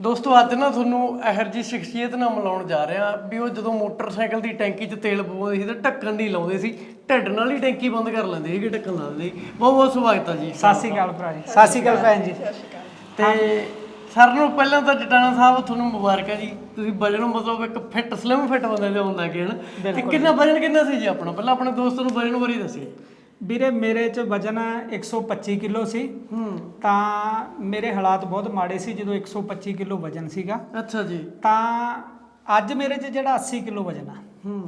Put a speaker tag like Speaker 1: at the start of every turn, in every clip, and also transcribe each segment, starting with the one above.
Speaker 1: ਦੋਸਤੋ ਅੱਜ ਨਾ ਤੁਹਾਨੂੰ ਇਹੋ ਜਿਹੀ ਸ਼ਖਸੀਅਤ ਨਾਲ ਮਿਲਾਉਣ ਜਾ ਰਹੇ ਆ ਵੀ ਉਹ ਜਦੋਂ ਮੋਟਰਸਾਈਕਲ ਦੀ ਟੈਂਕੀ 'ਚ ਤੇਲ ਪਵਾਉਂਦੇ ਸੀ ਤਾਂ ਢੱਕਣ ਨਹੀਂ ਲਾਉਂਦੇ ਸੀ, ਢਿੱਡ ਨਾਲ ਹੀ ਟੈਂਕੀ ਬੰਦ ਕਰ ਲੈਂਦੇ ਸੀਗੇ, ਢੱਕਣ ਲਾ ਦਿੰਦੇ ਸੀ। ਬਹੁਤ ਬਹੁਤ ਸਵਾਗਤ ਆ ਜੀ।
Speaker 2: ਸਤਿ ਸ਼੍ਰੀ ਅਕਾਲ ਭਰਾ ਜੀ। ਸਤਿ ਸ਼੍ਰੀ ਅਕਾਲ ਭੈਣ ਜੀ।
Speaker 1: ਤੇ ਸਾਰਿਆਂ ਨੂੰ ਪਹਿਲਾਂ ਤਾਂ ਜਟਾਣਾ ਸਾਹਿਬ ਤੁਹਾਨੂੰ ਮੁਬਾਰਕਾਂ ਜੀ, ਤੁਸੀਂ ਵਜਨ ਮਤਲਬ ਇੱਕ ਫਿੱਟ ਸਲਿਮ ਫਿੱਟ ਬੰਦੇ ਦੇ ਹੁੰਦਾ ਕਿ ਹਨ। ਤੇ ਕਿੰਨਾ ਵਜਨ ਕਿੰਨਾ ਸੀ ਜੀ ਆਪਣਾ, ਪਹਿਲਾਂ ਆਪਣੇ ਦੋਸਤ ਨੂੰ ਵਜਨ ਬਾਰੇ ਦੱਸਿਓ।
Speaker 2: ਵੀਰੇ ਮੇਰੇ ਚ ਵਜਨ 125 ਕਿਲੋ ਸੀ। ਤਾਂ ਮੇਰੇ ਹਾਲਾਤ ਬਹੁਤ ਮਾੜੇ ਸੀ ਜਦੋਂ 125 ਕਿਲੋ ਵਜਨ ਸੀਗਾ।
Speaker 1: ਅੱਛਾ ਜੀ।
Speaker 2: ਤਾਂ ਅੱਜ ਮੇਰੇ ਚ ਜਿਹੜਾ 80 ਕਿਲੋ ਵਜਨ ਆ।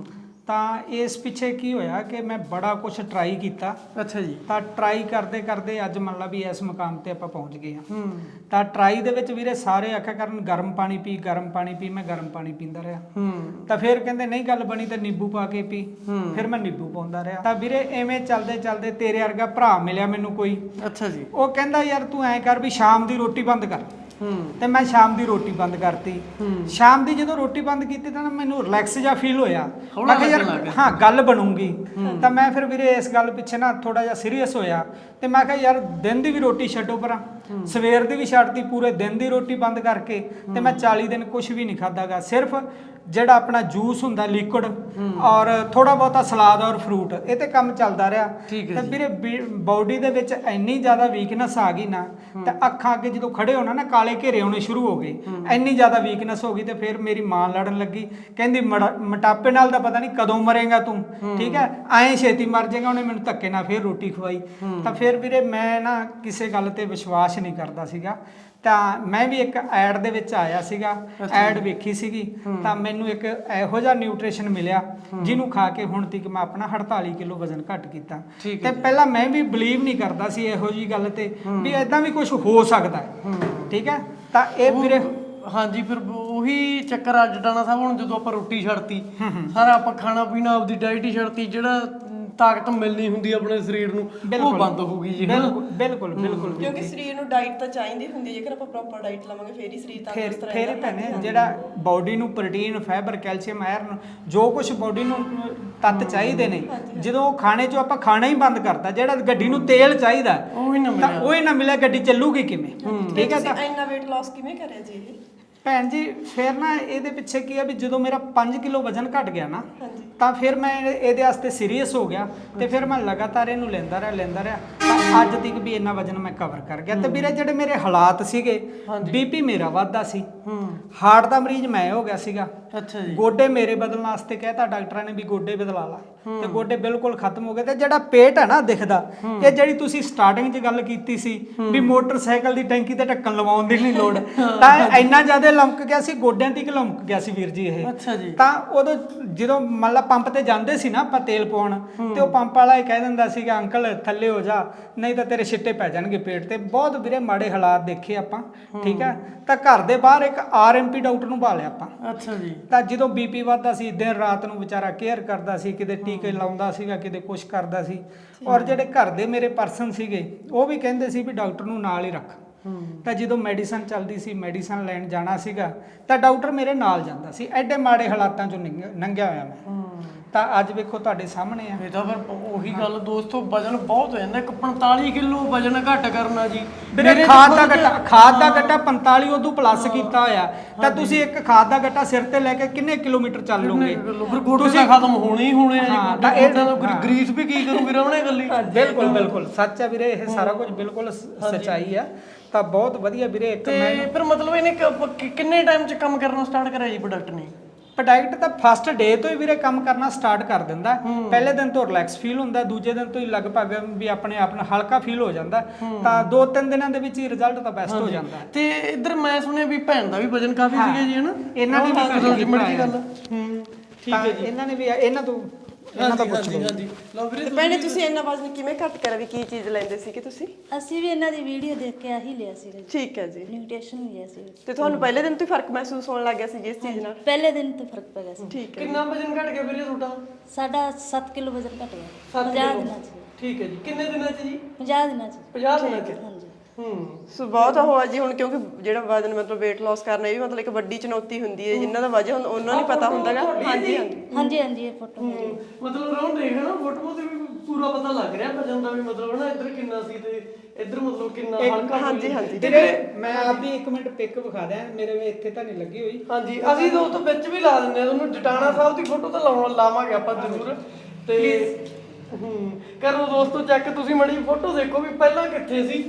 Speaker 2: ਤਾਂ ਇਸ ਪਿੱਛੇ ਕੀ ਹੋਇਆ ਕਿ ਮੈਂ ਬੜਾ ਕੁਝ ਟਰਾਈ ਕੀਤਾ।
Speaker 1: ਅੱਛਾ ਜੀ।
Speaker 2: ਤਾਂ ਟਰਾਈ ਕਰਦੇ ਕਰਦੇ ਅੱਜ ਮੰਨ ਲਾ ਵੀ ਇਸ ਮੁਕਾਮ ਤੇ ਆਪਾਂ ਪਹੁੰਚ ਗਏ ਆ। ਤਾਂ ਟਰਾਈ ਦੇ ਵਿੱਚ ਵੀਰੇ ਸਾਰੇ ਆਖਿਆ ਕਰਨ ਗਰਮ ਪਾਣੀ ਪੀ, ਗਰਮ ਪਾਣੀ ਪੀ। ਮੈਂ ਗਰਮ ਪਾਣੀ ਪੀਂਦਾ ਰਿਹਾ। ਤਾਂ ਫਿਰ ਕਹਿੰਦੇ ਨਹੀਂ ਗੱਲ ਬਣੀ ਤਾਂ ਨਿੰਬੂ ਪਾ ਕੇ ਪੀ। ਫਿਰ ਮੈਂ ਨਿੰਬੂ ਪਾਉਂਦਾ ਰਿਹਾ। ਤਾਂ ਵੀਰੇ ਐਵੇਂ ਚੱਲਦੇ ਚੱਲਦੇ ਤੇਰੇ ਵਰਗਾ ਭਰਾ ਮਿਲਿਆ ਮੈਨੂੰ ਕੋਈ।
Speaker 1: ਅੱਛਾ ਜੀ।
Speaker 2: ਉਹ ਕਹਿੰਦਾ ਯਾਰ ਤੂੰ ਐਂ ਕਰ ਵੀ ਸ਼ਾਮ ਦੀ ਰੋਟੀ ਬੰਦ ਕਰ। ਤੇ ਮੈਂ ਸ਼ਾਮ ਦੀ ਰੋਟੀ ਬੰਦ ਕਰਤੀ। ਸ਼ਾਮ ਦੀ ਜਦੋਂ ਰੋਟੀ ਬੰਦ ਕੀਤੀ ਤਾਂ ਮੈਨੂੰ ਰਿਲੈਕਸ ਜਿਹਾ ਫੀਲ ਹੋਇਆ। ਮੈਂ ਕਿਹਾ ਯਾਰ ਹਾਂ ਗੱਲ ਬਣੂਗੀ। ਤਾਂ ਮੈਂ ਫਿਰ ਵੀਰੇ ਇਸ ਗੱਲ ਪਿੱਛੇ ਨਾ ਥੋੜਾ ਜਿਹਾ ਸੀਰੀਅਸ ਹੋਇਆ। ਤੇ ਮੈਂ ਕਿਹਾ ਯਾਰ ਦਿਨ ਦੀ ਵੀ ਰੋਟੀ ਛੱਡੋ ਪਰਾਂ, ਸਵੇਰ ਦੀ ਵੀ ਛੱਡਤੀ, ਪੂਰੇ ਦਿਨ ਦੀ ਰੋਟੀ ਬੰਦ ਕਰਕੇ। ਤੇ ਮੈਂ 40 ਦਿਨ ਕੁਝ ਵੀ ਨਹੀਂ ਖਾਦਾਗਾ, ਸਿਰਫ ਜਿਹੜਾ ਆਪਣਾ ਜੂਸ ਹੁੰਦਾ ਲਿਕੁਇਡ ਔਰ ਥੋੜਾ ਬਹੁਤਾ ਸਲਾਦ ਔਰ ਫਰੂਟ, ਇਹ ਤੇ ਕੰਮ ਚੱਲਦਾ ਰਿਹਾ। ਤੇ ਵੀਰੇ ਬਾਡੀ ਦੇ ਵਿੱਚ ਇੰਨੀ ਜ਼ਿਆਦਾ ਵੀਕਨੈਸ ਆ ਗਈ ਨਾ, ਤੇ ਅੱਖਾਂ ਅੱਗੇ ਜਦੋਂ ਖੜੇ ਹੋਣਾ ਨਾ ਕਾਲੇ ਘੇਰੇ ਹੋਣੇ ਸ਼ੁਰੂ ਹੋ ਗਏ। ਇੰਨੀ ਜ਼ਿਆਦਾ ਵੀਕਨੈਸ ਹੋ ਗਈ। ਤੇ ਫਿਰ ਮੇਰੀ ਮਾਂ ਲੜਨ ਲੱਗੀ, ਕਹਿੰਦੀ ਮੋਟਾਪੇ ਨਾਲ ਤਾਂ ਪਤਾ ਨਹੀਂ ਕਦੋਂ ਮਰੇਗਾ ਤੂੰ, ਠੀਕ ਹੈ ਐਂ ਛੇਤੀ ਮਰ ਜਾਏਗਾ। ਉਹਨੇ ਮੈਨੂੰ ਧੱਕੇ ਨਾਲ ਫਿਰ ਰੋਟੀ ਖਵਾਈ। ਤਾਂ ਫਿਰ ਵੀਰੇ ਮੈਂ ਨਾ ਕਿਸੇ ਗੱਲ ਤੇ ਵਿਸ਼ਵਾਸ ਨਹੀਂ ਕਰਦਾ ਸੀਗਾ। ਤਾਂ ਮੈਂ ਵੀ ਇੱਕ ਐਡ ਦੇ ਵਿੱਚ ਆਇਆ ਸੀਗਾ, ਐਡ ਵੇਖੀ ਸੀਗੀ। ਤਾਂ ਮੈਨੂੰ ਇੱਕ ਇਹੋ ਜਿਹਾ ਨਿਊਟ੍ਰੀਸ਼ਨ ਮਿਲਿਆ ਜਿਹਨੂੰ ਖਾ ਕੇ ਹੁਣ ਤੱਕ ਮੈਂ ਆਪਣਾ 48 ਕਿਲੋ ਵਜ਼ਨ ਘੱਟ ਕੀਤਾ। ਤੇ ਪਹਿਲਾਂ ਮੈਂ ਵੀ ਬਲੀਵ ਨਹੀਂ ਕਰਦਾ ਸੀ ਇਹੋ ਜਿਹੀ ਗੱਲ ਤੇ ਵੀ ਇਦਾਂ ਵੀ ਕੁਝ ਹੋ ਸਕਦਾ, ਠੀਕ ਹੈ। ਤਾਂ ਇਹ ਵੀਰੇ
Speaker 1: ਹਾਂਜੀ, ਫਿਰ ਉਹੀ ਚੱਕਰ ਆ ਜਟਾਣਾ ਸਾਹਿਬ। ਹੁਣ ਜਦੋਂ ਆਪਾਂ ਰੋਟੀ ਛੱਡਤੀ, ਸਾਰਾ ਆਪਾਂ ਖਾਣਾ ਪੀਣਾ ਆਪਦੀ ਡਾਈਟ ਹੀ ਛੱਡਤੀ, ਜਿਹੜਾ ਤਾਕਤ ਮਿਲਣੀ ਹੁੰਦੀ ਆਪਣੇ ਸਰੀਰ ਨੂੰ ਉਹ ਬੰਦ ਹੋ ਗਈ ਜੀ।
Speaker 2: ਬਿਲਕੁਲ ਬਿਲਕੁਲ
Speaker 3: ਕਿਉਂਕਿ ਸਰੀਰ ਨੂੰ ਡਾਈਟ ਤਾਂ ਚਾਹੀਦੀ ਹੁੰਦੀ ਹੈ। ਜੇਕਰ ਆਪਾਂ ਪ੍ਰੋਪਰ ਡਾਈਟ ਲਵਾਂਗੇ ਫੇਰ ਹੀ ਸਰੀਰ ਤੰਦਰੁਸਤ ਰਹੇਗਾ।
Speaker 2: ਫੇਰ ਭੈਣੇ ਜਿਹੜਾ ਬਾਡੀ ਨੂੰ ਪ੍ਰੋਟੀਨ, ਫਾਈਬਰ, ਕੈਲਸ਼ੀਅਮ, ਆਇਰਨ ਜੋ ਕੁਝ ਬਾਡੀ ਨੂੰ ਤੱਤ ਚਾਹੀਦੇ ਨੇ, ਜਦੋਂ ਖਾਣੇ ਚੋਂ ਆਪਾਂ ਖਾਣਾ ਹੀ ਬੰਦ ਕਰਤਾ, ਜਿਹੜਾ ਗੱਡੀ ਨੂੰ ਤੇਲ ਚਾਹੀਦਾ ਉਹ ਹੀ ਨਾ ਮਿਲਿਆ, ਗੱਡੀ ਚੱਲੂਗੀ ਕਿਵੇਂ? ਠੀਕ ਹੈ। ਤਾਂ
Speaker 3: ਇੰਨਾ weight loss ਕਿਵੇਂ ਕਰਿਆ ਜੀ ਇਹ?
Speaker 2: ਭੈਣ ਜੀ ਫਿਰ ਨਾ ਇਹਦੇ ਪਿੱਛੇ ਕੀ ਆ ਵੀ ਜਦੋਂ ਮੇਰਾ 5 ਕਿਲੋ ਵਜ਼ਨ ਘਟ ਗਿਆ ਨਾ, ਤਾਂ ਫਿਰ ਮੈਂ ਇਹਦੇ ਵਾਸਤੇ ਸੀਰੀਅਸ ਹੋ ਗਿਆ। ਤੇ ਫਿਰ ਮੈਂ ਲਗਾਤਾਰ ਇਹਨੂੰ ਲੈਂਦਾ ਰਿਹਾ। ਤਾਂ ਅੱਜ ਤੱਕ ਵੀ ਇੰਨਾ ਵਜ਼ਨ ਮੈਂ ਕਵਰ ਕਰ ਗਿਆ। ਤੇ ਵੀਰੇ ਜਿਹੜੇ ਮੇਰੇ ਹਾਲਾਤ ਸੀਗੇ, ਬੀਪੀ ਮੇਰਾ ਵੱਧਦਾ ਸੀ, ਹਾਰਟ ਦਾ ਮਰੀਜ਼ ਮੈਂ ਹੋ ਗਿਆ ਸੀਗਾ।
Speaker 1: ਅੱਛਾ ਜੀ।
Speaker 2: ਗੋਡੇ ਮੇਰੇ ਬਦਲਣ ਵਾਸਤੇ ਕਹਿਤਾ ਡਾਕਟਰਾਂ ਨੇ ਵੀ ਗੋਡੇ ਬਦਲਾ ਲਾ, ਤੇ ਗੋਡੇ ਬਿਲਕੁਲ ਖਤਮ ਹੋ ਗਏ। ਤੇ ਜਿਹੜਾ ਪੇਟ ਹੈ ਨਾ ਦਿਖਦਾ, ਇਹ ਜਿਹੜੀ ਤੁਸੀਂ ਸਟਾਰਟਿੰਗ 'ਚ ਗੱਲ ਕੀਤੀ ਸੀ ਵੀ ਮੋਟਰਸਾਈਕਲ ਦੀ ਟੈਂਕੀ ਤੇ ਢੱਕਣ ਲਵਾਉਣ ਦੀ ਨਹੀਂ ਲੋੜ, ਤਾਂ ਇੰਨਾ ਜ਼ਿਆਦਾ ਲਮਕ ਗਿਆ ਸੀ, ਗੋਡਿਆਂ ਤੱਕ ਲਮਕ ਗਿਆ ਸੀ ਵੀਰ ਜੀ ਇਹ।
Speaker 1: ਅੱਛਾ ਜੀ।
Speaker 2: ਤਾਂ ਉਦੋਂ ਜਦੋਂ ਮੰਨ ਲਾ ਪੰਪ ਤੇ ਜਾਂਦੇ ਸੀ ਨਾ ਆਪਾਂ ਤੇਲ ਪਾਉਣ, ਤੇ ਉਹ ਪੰਪ ਵਾਲਾ ਇਹ ਕਹਿ ਦਿੰਦਾ ਸੀਗਾ ਅੰਕਲ ਥੱਲੇ ਹੋ ਜਾ, ਨਹੀਂ ਤਾਂ ਤੇਰੇ ਛਿੱਟੇ ਪੈ ਜਾਣਗੇ ਪੇਟ ਤੇ। ਬਹੁਤ ਵੀਰੇ ਮਾੜੇ ਹਾਲਾਤ ਦੇਖੇ ਆਪਾਂ, ਠੀਕ ਹੈ। ਤਾਂ ਘਰ ਦੇ ਬਾਹਰ ਇੱਕ ਆਰਐਮਪੀ ਡਾਕਟਰ ਨੂੰ ਭਾਲਿਆ ਆਪਾਂ।
Speaker 1: ਅੱਛਾ ਜੀ।
Speaker 2: ਤਾਂ ਜਦੋਂ ਬੀਪੀ ਵੱਧਦਾ ਸੀ, ਦਿਨ ਰਾਤ ਨੂੰ ਵਿਚਾਰਾ ਕੇਅਰ ਕਰਦਾ ਸੀ, ਕਿਤੇ ਟੀਕੇ ਲਾਉਂਦਾ ਸੀਗਾ, ਕਿਤੇ ਕੁਛ ਕਰਦਾ ਸੀ। ਔਰ ਜਿਹੜੇ ਘਰ ਦੇ ਮੇਰੇ ਪਰਸਨ ਸੀਗੇ ਉਹ ਵੀ ਕਹਿੰਦੇ ਸੀ ਵੀ ਡਾਕਟਰ ਨੂੰ ਨਾਲ ਹੀ ਰੱਖ। ਤਾਂ ਜਦੋਂ ਮੈਡੀਸਨ ਚੱਲਦੀ ਸੀ, ਮੈਡੀਸਨ ਲੈਣ ਜਾਣਾ ਸੀਗਾ, ਤਾਂ ਡਾਕਟਰ ਮੇਰੇ ਨਾਲ ਜਾਂਦਾ ਸੀ। ਐਡੇ ਮਾੜੇ ਹਾਲਾਤਾਂ ਚੋਂ ਲੰਘਿਆ ਹੋਇਆ ਮੈਂ। ਤਾਂ ਅੱਜ ਵੇਖੋ ਤੁਹਾਡੇ ਸਾਹਮਣੇ ਆ।
Speaker 1: ਇਹ ਤਾਂ ਫਿਰ ਉਹੀ ਗੱਲ ਦੋਸਤੋ, ਵਜਨ ਬਹੁਤ ਹੋ ਜਾਂਦਾ। ਇੱਕ 45 ਕਿਲੋ ਵਜਨ ਘੱਟ ਕਰਨਾ ਜੀ।
Speaker 2: ਮੇਰੇ ਖਾਦ ਦਾ ਗੱਟਾ 45 ਉਦੋਂ ਪਲੱਸ ਕੀਤਾ ਹੋਇਆ। ਤਾਂ ਤੁਸੀਂ ਇੱਕ ਖਾਦ ਦਾ ਗੱਟਾ ਸਿਰ ਤੇ ਲੈ ਕੇ ਕਿੰਨੇ ਕਿਲੋਮੀਟਰ ਚੱਲ ਲੋਗੇ?
Speaker 1: ਫਿਰ ਗੋਡੇ ਤਾਂ ਖਤਮ ਹੋਣੇ ਹੀ ਹੋਣੇ ਆ ਜੀ। ਤਾਂ ਇਹ ਗਰੀਸ ਵੀ ਕੀ ਕਰੂਗੀ ਰਵਣੇ ਗੱਲੀ।
Speaker 2: ਬਿਲਕੁਲ ਸੱਚ ਆ ਵੀਰੇ, ਇਹ ਸਾਰਾ ਕੁਝ ਬਿਲਕੁਲ ਸੱਚਾਈ ਆ। ਤਾਂ ਬਹੁਤ ਵਧੀਆ ਵੀਰੇ। ਇੱਕ
Speaker 1: ਮੈਂ ਫਿਰ ਮਤਲਬ ਇਹਨੇ ਕਿੰਨੇ ਟਾਈਮ 'ਚ ਕੰਮ ਕਰਨਾ ਸਟਾਰਟ ਕਰਿਆ ਜੀ ਪ੍ਰੋਡਕਟ ਨੇ?
Speaker 2: ਪ੍ਰੋਡਕਟ ਤਾਂ ਫਸਟ ਡੇ ਤੋਂ ਹੀ ਵੀਰੇ ਕੰਮ ਕਰਨਾ ਸਟਾਰਟ ਕਰ ਦਿੰਦਾ। ਪਹਿਲੇ ਦਿਨ ਤੋਂ ਰਿਲੈਕਸ ਫੀਲ ਹੁੰਦਾ, ਦੂਜੇ ਦਿਨ ਤੋਂ ਹੀ ਲਗਭਗ ਵੀ ਆਪਣੇ ਆਪ ਨੂੰ ਹਲਕਾ ਫੀਲ ਹੋ ਜਾਂਦਾ। ਤਾਂ 2-3 ਦਿਨਾਂ ਦੇ ਵਿੱਚ ਹੀ ਰਿਜ਼ਲਟ ਤਾਂ ਬੈਸਟ ਹੋ ਜਾਂਦਾ।
Speaker 1: ਤੇ ਇੱਧਰ ਮੈਂ ਸੁਣਿਆ ਵੀ ਭੈਣ ਦਾ ਵੀ ਵਜਨ ਕਾਫੀ ਸੀਗਾ ਜੀ, ਹਨਾ?
Speaker 2: ਇਹਨਾਂ ਦੀ ਵੀ
Speaker 1: ਮਰਜ਼ੀ ਗੱਲ।
Speaker 2: ਠੀਕ ਹੈ ਜੀ। ਇਹਨਾਂ ਨੇ ਵੀ ਇਹਨਾਂ ਤੋਂ ਪੁੱਛ ਲਓ।
Speaker 1: ਹਾਂਜੀ ਲਓ ਵੀਰੇ।
Speaker 3: ਭੈਣੇ ਤੁਸੀਂ ਇੰਨਾ ਵਜ਼ਨ ਕਿਵੇਂ ਘੱਟ ਕਰਿਆ, ਵੀ ਕੀ ਚੀਜ਼ ਲੈਂਦੇ ਸੀਗੇ ਤੁਸੀਂ?
Speaker 4: ਅਸੀਂ ਵੀ ਇਹਨਾਂ ਦੀ ਵੀਡੀਓ ਦੇਖ ਕੇ ਆਹੀ ਲਿਆ ਸੀ।
Speaker 3: ਠੀਕ ਹੈ ਜੀ।
Speaker 4: ਨਿਊਟ੍ਰੀਸ਼ਨ ਲਿਆ ਸੀ।
Speaker 3: ਤੇ ਤੁਹਾਨੂੰ ਪਹਿਲੇ ਦਿਨ ਤੋਂ ਹੀ ਫਰਕ ਮਹਿਸੂਸ ਹੋਣ ਲੱਗ ਗਿਆ ਸੀ ਜਿਸ ਚੀਜ਼ ਨਾਲ?
Speaker 4: ਪਹਿਲੇ ਦਿਨ ਤੋਂ ਫਰਕ ਪੈ ਗਿਆ ਸੀ।
Speaker 3: ਠੀਕ ਹੈ।
Speaker 1: ਕਿੰਨਾ ਵਜਨ ਘਟ ਗਿਆ ਵੀਰੇ ਤੁਹਾਡਾ?
Speaker 4: ਸਾਡਾ 7 ਕਿਲੋ ਵਜ਼ਨ ਘਟ ਗਿਆ 50 ਦਿਨਾਂ 'ਚ।
Speaker 1: ਠੀਕ ਹੈ ਜੀ। ਕਿੰਨੇ ਦਿਨਾਂ 'ਚ ਜੀ?
Speaker 4: 50 ਦਿਨਾਂ 'ਚ।
Speaker 1: 50 ਦਿਨਾਂ 'ਚ।
Speaker 4: ਹਾਂਜੀ।
Speaker 3: ਸੋ ਬਹੁਤ ਹੋਆ ਜੀ। ਹੁਣ ਕਿਉਂਕਿ ਜਿਹੜਾ ਵਜ਼ਨ ਮਤਲਬ weight loss ਕਰਨਾ ਇਹ ਵੀ ਮਤਲਬ ਇੱਕ ਵੱਡੀ ਚੁਣੌਤੀ ਹੁੰਦੀ ਹੈ। ਜਿਨ੍ਹਾਂ ਦਾ ਵਜਨ ਉਹਨਾਂ ਨੂੰ ਪਤਾ ਹੁੰਦਾਗਾ। ਹਾਂਜੀ
Speaker 4: ਇਹ ਫੋਟੋ
Speaker 1: ਮਤਲਬ ਰੌਣ ਦੇਖ ਨਾ ਫੋਟੋ ਤੇ ਵੀ ਪੂਰਾ ਪਤਾ ਲੱਗ ਰਿਹਾ ਵਜਨ ਦਾ ਵੀ ਮਤਲਬ ਨਾ ਇੱਧਰ ਕਿੰਨਾ ਸੀ ਤੇ ਇੱਧਰ ਮਤਲਬ ਕਿੰਨਾ ਹਲਕਾ
Speaker 3: ਹਾਂਜੀ ਹਾਂਜੀ
Speaker 2: ਮੈਂ ਆਪਦੀ 1 ਮਿੰਟ ਪਿਕ ਵਿਖਾ ਦਿਆਂ, ਮੇਰੇ ਇੱਥੇ ਤਾਂ ਨਹੀਂ ਲੱਗੀ ਹੋਈ।
Speaker 1: ਹਾਂਜੀ ਅਸੀਂ ਦੋਸਤੋ ਵਿੱਚ ਵੀ ਲਾ ਦਿੰਦੇ ਆ ਤੁਹਾਨੂੰ, ਜਟਾਣਾ ਸਾਹਿਬ ਦੀ ਫੋਟੋ ਤਾਂ ਲਾਵਾਂਗੇ ਆਪਾਂ ਜ਼ਰੂਰ। ਤੇ ਕਰੋ ਦੋਸਤੋ ਚੈੱਕ, ਤੁਸੀਂ ਮੜੀ ਫੋਟੋ ਦੇਖੋ ਵੀ ਪਹਿਲਾਂ ਕਿੱਥੇ ਸੀ।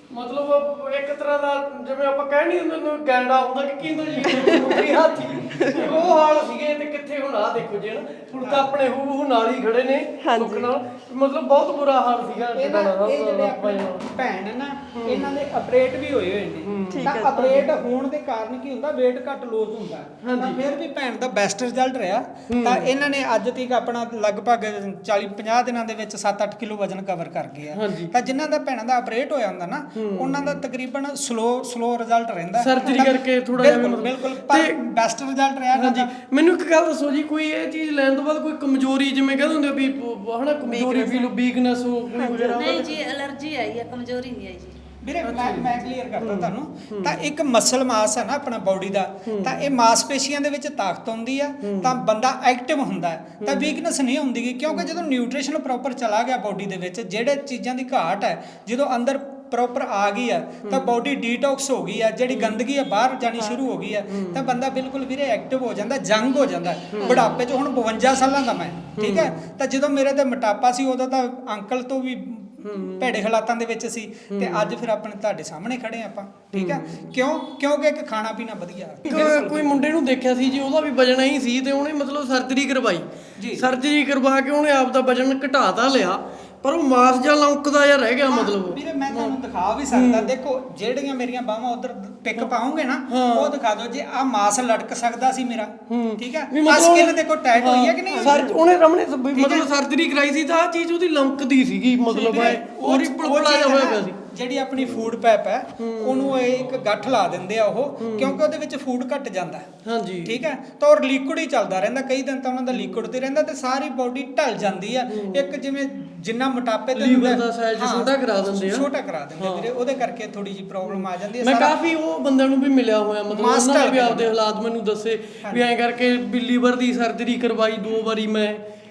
Speaker 1: ਮਤਲਬ ਇੱਕ ਤਰ੍ਹਾਂ ਦਾ ਜਿਵੇਂ ਆਪਾਂ ਕਹਿ ਨਹੀਂ ਹੁੰਦੇ ਨੂੰ ਗੈਂਡਾ ਹੁੰਦਾ ਕਿ ਕੀ ਹੁੰਦਾ ਜੀ ਹਾਥੀ, ਉਹ ਹਾਲ ਸੀਗੇ ਤੇ ਕਿੱਥੇ ਹੁਣ ਆ ਦੇਖੋ ਜੀ, ਹੁਣ ਤਾਂ ਆਪਣੇ ਹੂ ਨਾਲ ਹੀ ਖੜੇ ਨੇ ਸੁੱਖ ਨਾਲ, ਮਤਲਬ ਬਹੁਤ ਬੁਰਾ ਹਾਲ ਸੀਗਾ ਜਟਾਣਾ ਸਾਹਿਬ ਦਾ।
Speaker 2: ਭੈਣ ਨਾ ਇਹਨਾਂ ਦੇ ਆਪਰੇਟ ਵੀ ਹੋਏ ਨੇ, ਤਾਂ ਆਪਰੇਟ ਹੋਣ ਦੇ ਕਾਰਨ ਕੀ ਹੁੰਦਾ, weight ਘੱਟ ਲੋਸ ਹੁੰਦਾ, ਤਾਂ ਫਿਰ ਵੀ ਭੈਣ ਦਾ ਬੈਸਟ ਰਿਜ਼ਲਟ ਰਿਹਾ। ਤਾਂ ਇਹਨਾਂ ਨੇ ਅੱਜ ਤੱਕ ਆਪਣਾ ਲਗਭਗ 40-50 ਦਿਨਾਂ ਦੇ ਵਿੱਚ 7-8 ਕਿਲੋ ਵਜ਼ਨ ਕਵਰ ਕਰ ਗਏ ਆ। ਤਾਂ ਜਿਨ੍ਹਾਂ ਦਾ ਭੈਣਾਂ ਦਾ ਆਪਰੇਟ ਹੋਇਆ ਹੁੰਦਾ ਨਾ, ਉਹਨਾਂ ਦਾ ਤਕਰੀਬਨ ਸਲੋ ਰਿਜ਼ਲਟ ਰਹਿੰਦਾ,
Speaker 1: ਸਰਜਰੀ ਕਰਕੇ ਥੋੜਾ ਜਿਹਾ
Speaker 2: ਬਿਲਕੁਲ ਪਰ ਬੈਸਟ ਰਿਜ਼ਲਟ ਰਿਹਾ।
Speaker 1: ਹਾਂਜੀ ਮੈਨੂੰ ਇੱਕ ਗੱਲ ਦੱਸੋ ਜੀ, ਕੋਈ ਇਹ ਚੀਜ਼ ਲੈਣ ਤੋਂ ਬਾਅਦ ਕੋਈ ਕਮਜ਼ੋਰੀ ਜਿਵੇਂ ਕਹਿੰਦੇ ਹੁੰਦੇ ਵੀ ਹਨਾ ਕਮਜ਼ੋਰੀ ਫੀਲ ਵੀਕਨੈਸ ਹੋ ਕੋਈ ਵਗੈਰਾ?
Speaker 4: ਨਹੀਂ ਜੀ ਐਲਰਜੀ ਆਈ ਹੈ, ਕਮਜ਼ੋਰੀ ਨਹੀਂ ਆਈ ਜੀ
Speaker 2: ਵੀਰੇ। ਮੈਂ ਕਲੀਅਰ ਕਰਦਾ ਤੁਹਾਨੂੰ, ਤਾਂ ਇੱਕ ਮਸਲ ਮਾਸ ਹੈ ਨਾ ਆਪਣਾ ਬਾਡੀ ਦਾ, ਤਾਂ ਇਹ ਮਾਸਪੇਸ਼ੀਆਂ ਦੇ ਵਿੱਚ ਤਾਕਤ ਆਉਂਦੀ ਆ ਤਾਂ ਬੰਦਾ ਐਕਟਿਵ ਹੁੰਦਾ ਹੈ, ਤਾਂ ਵੀਕਨੈਸ ਨਹੀਂ ਹੁੰਦੀ, ਕਿਉਂਕਿ ਜਦੋਂ ਨਿਊਟ੍ਰੀਸ਼ਨ ਪ੍ਰੋਪਰ ਚਲਾ ਗਿਆ ਬਾਡੀ ਦੇ ਵਿੱਚ, ਜਿਹੜੇ ਚੀਜ਼ਾਂ ਦੀ ਘਾਟ ਹੈ ਜਦੋਂ ਅੰਦਰ ਪ੍ਰੋਪਰ ਆ ਗਈ ਆ ਤਾਂ ਬਾਡੀ ਡੀਟੌਕਸ ਹੋ ਗਈ ਆ, ਜਿਹੜੀ ਗੰਦਗੀ ਆ ਬਾਹਰ ਜਾਣੀ ਸ਼ੁਰੂ ਹੋ ਗਈ ਆ, ਤਾਂ ਬੰਦਾ ਬਿਲਕੁਲ ਵੀਰੇ ਐਕਟਿਵ ਹੋ ਜਾਂਦਾ, ਜੰਗ ਹੋ ਜਾਂਦਾ। ਬੁਢਾਪੇ 'ਚ ਹੁਣ 52 ਸਾਲਾਂ ਦਾ ਮੈਂ, ਠੀਕ ਹੈ, ਤਾਂ ਜਦੋਂ ਮੇਰੇ ਤੇ ਮੋਟਾਪਾ ਸੀ ਉਦੋਂ ਤਾਂ ਅੰਕਲ ਤੋਂ ਵੀ ਭੈੜੇ ਹਾਲਾਤਾਂ ਦੇ ਵਿੱਚ ਸੀ, ਤੇ ਅੱਜ ਫਿਰ ਆਪਣੇ ਤੁਹਾਡੇ ਸਾਹਮਣੇ ਖੜੇ ਆਪਾਂ, ਠੀਕ ਹੈ। ਕਿਉਂਕਿ ਇੱਕ ਖਾਣਾ ਪੀਣਾ ਵਧੀਆ।
Speaker 1: ਕੋਈ ਮੁੰਡੇ ਨੂੰ ਦੇਖਿਆ ਸੀ ਜੀ, ਉਹਦਾ ਵੀ ਵਜਨ ਹੀ ਸੀ ਤੇ ਉਹਨੇ ਮਤਲਬ ਸਰਜਰੀ ਕਰਵਾਈ ਜੀ, ਸਰਜਰੀ ਕਰਵਾ ਕੇ ਉਹਨੇ ਆਪ ਦਾ ਵਜਨ ਘਟਾ ਤਾਂ ਲਿਆ, ਪਰ ਉਹ ਮਾਸ ਜਾਂ ਲੌਂਕਦਾ ਜਾਂ ਰਹਿ ਗਿਆ। ਮਤਲਬ
Speaker 2: ਵੀਰੇ ਮੈਂ ਤੁਹਾਨੂੰ ਦਿਖਾ ਵੀ ਸਕਦਾ, ਦੇਖੋ ਜਿਹੜੀਆਂ ਮੇਰੀਆਂ ਬਾਹਾਂ ਉਧਰ ਪਿਕ ਪਾਉਂਗੇ ਨਾ, ਉਹ ਦਿਖਾ ਦਿਓ ਜੇ ਆ ਮਾਸ ਲਟਕ ਸਕਦਾ ਸੀ ਮੇਰਾ, ਠੀਕ ਹੈ। ਆ ਸਕਿਨ ਦੇਖੋ ਟਾਈਟ ਹੋਈ ਹੈ ਕਿ ਨਹੀਂ?
Speaker 1: ਉਹਨੇ ਰਮਣੇ ਮਤਲਬ ਸਰਜਰੀ ਕਰਾਈ ਸੀ ਤਾਂ ਆ ਚੀਜ਼ ਉਹਦੀ ਲੌਂਕਦੀ ਸੀਗੀ, ਮਤਲਬ ਉਹ ਪਲਪਲਾ ਜਿਹਾ ਹੋਇਆ ਪਿਆ ਸੀ।
Speaker 2: ਜਿਹੜੀ ਆਪਣੀ ਫੂਡ ਪੈਪ ਹੈ ਉਹਨੂੰ ਇੱਕ ਗੱਠ ਲਾ ਦਿੰਦੇ ਆ ਉਹ, ਕਿਉਂਕਿ ਉਹਦੇ ਵਿੱਚ ਫੂਡ ਘਟ ਜਾਂਦਾ,
Speaker 1: ਹਾਂਜੀ
Speaker 2: ਠੀਕ ਹੈ, ਤਾਂ ਉਹ ਲਿਕੁਇਡ ਹੀ ਚੱਲਦਾ ਰਹਿੰਦਾ, ਕਈ ਦਿਨ ਤਾਂ ਉਹਨਾਂ ਦਾ ਲਿਕੁਇਡ ਤੇ ਰਹਿੰਦਾ, ਤੇ ਸਾਰੀ ਬਾਡੀ ਢਲ ਜਾਂਦੀ ਆ। ਇੱਕ ਜਿਵੇਂ ਜਿੰਨਾ ਮੋਟਾਪੇ ਤੇ
Speaker 1: ਲੀਵਰ ਦਾ ਸਾਈਜ਼ ਛੋਟਾ ਕਰਾ ਦਿੰਦੇ ਆ,
Speaker 2: ਛੋਟਾ ਕਰਾ ਦਿੰਦੇ ਵੀਰੇ, ਉਹਦੇ ਕਰਕੇ ਥੋੜੀ ਜਿਹੀ ਪ੍ਰੋਬਲਮ ਆ ਜਾਂਦੀ ਹੈ।
Speaker 1: ਮੈਂ ਕਾਫੀ ਉਹ ਬੰਦਿਆਂ ਨੂੰ ਵੀ ਮਿਲਿਆ ਹੋਇਆ, ਮਤਲਬ ਉਹਨਾਂ ਨੇ ਵੀ ਆਪਦੇ ਹਾਲਾਤ ਮੈਨੂੰ ਦੱਸੇ ਵੀ ਐਂ ਕਰਕੇ ਵੀ ਲੀਵਰ ਦੀ ਸਰਜਰੀ ਕਰਵਾਈ 2 ਵਾਰੀ ਮੈਂ,